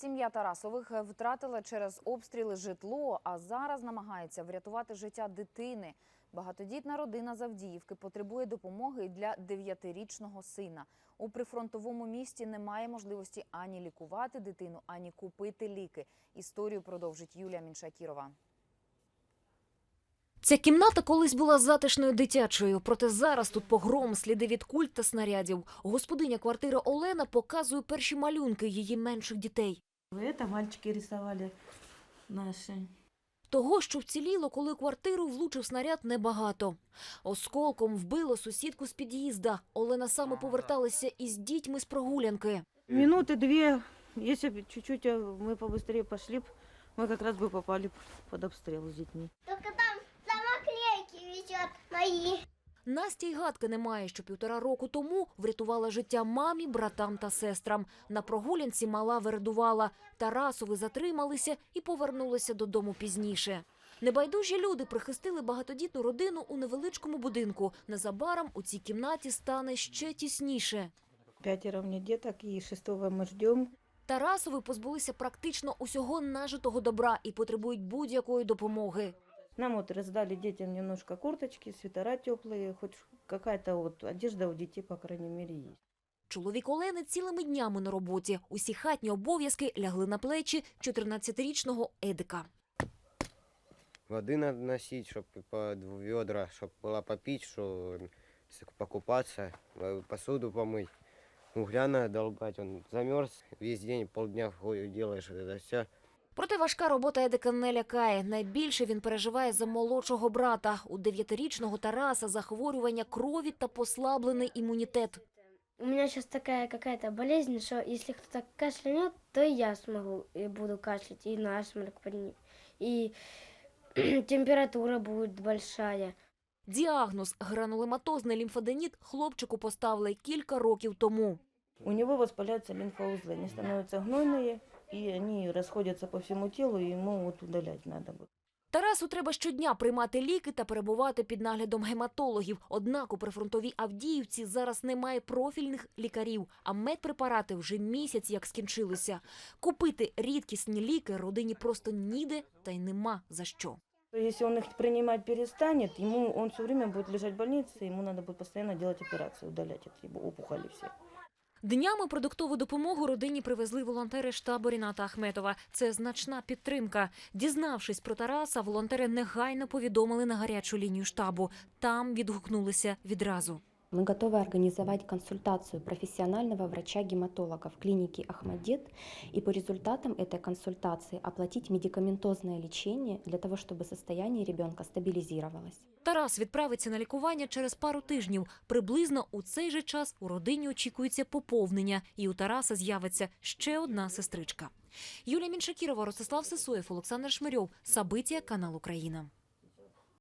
Сім'я Тарасових втратила через обстріли житло, а зараз намагається врятувати життя дитини. Багатодітна родина з Авдіївки потребує допомоги для 9-річного сина. У прифронтовому місті немає можливості ані лікувати дитину, ані купити ліки. Історію продовжить Юлія Міншакірова. Ця кімната колись була затишною дитячою, проте зараз тут погром, сліди від куль та снарядів. Господиня квартири Олена показує перші малюнки її менших дітей. Це мальчики рисували наші. Того, що вціліло, коли у квартиру влучив снаряд, небагато. Осколком вбило сусідку з під'їзда. Олена саме поверталася із дітьми з прогулянки. Минуты две, если бы чуть-чуть мы побыстрее пошли, мы как раз бы попали под обстрел с детьми. Только там самоклейки висят мои. Настя й гадки немає, що 1,5 року тому врятувала життя мамі, братам та сестрам. На прогулянці мала вередувала. Тарасови затрималися і повернулися додому пізніше. Небайдужі люди прихистили багатодітну родину у невеличкому будинку. Незабаром у цій кімнаті стане ще тісніше. 5 мне деток, и 6-го мы ждем. Тарасови позбулися практично усього нажитого добра і потребують будь-якої допомоги. Нам вот раздали детям немножко курточки, свитера теплые, хоть какая-то вот одежда у детей, по крайней мере, есть. Чоловік Олени цілими днями на роботі. Усі хатні обов'язки лягли на плечі 14-річного Едика. Воды надо носить, чтобы по 2 ведра, чтобы была попить, что покупаться, посуду помыть. Угля надо долбать, он замерз, весь день, полдня делаешь это все. Проте важка робота Едика не лякає. Найбільше він переживає за молодшого брата. У 9-річного Тараса захворювання крові та послаблений імунітет. У меня сейчас такая какая-то болезнь, что если кто-то кашлянет, то и я смогу и буду кашлять, и насморк поднимет, и температура будет большая. Діагноз – гранулематозний лімфоденіт хлопчику поставили кілька років тому. У него воспаляются лимфоузлы, они становятся гнойные, и они расходятся по всему телу, и ему вот удалять надо будет. Тарасу треба щодня приймати ліки та перебувати під наглядом гематологів. Однак у прифронтовій Авдіївці зараз немає профільних лікарів, а медпрепарати вже місяць як скінчилися. Купити рідкісні ліки родині просто ніде та й нема за що. Если он их принимать перестанет, он все время будет лежать в больнице, ему надо будет постоянно делать операции, удалять эти опухоли все. Днями продуктову допомогу родині привезли волонтери штабу Ріната Ахметова. Це значна підтримка. Дізнавшись про Тараса, волонтери негайно повідомили на гарячу лінію штабу. Там відгукнулися відразу. Мы готовы организовать консультацию профессионального врача-гематолога в клинике «Ахмадит» и по результатам этой консультации оплатить медикаментозное лечение для того, чтобы состояние ребенка стабилизировалось. Тарас відправиться на лікування через пару тижнів. Приблизно у цей же час у родині очікується поповнення. І у Тараса з'явиться ще одна сестричка. Юлія Міншакірова, Ростислав Сисоєв, Олександр Шмирьов. Сабиття, канал «Україна».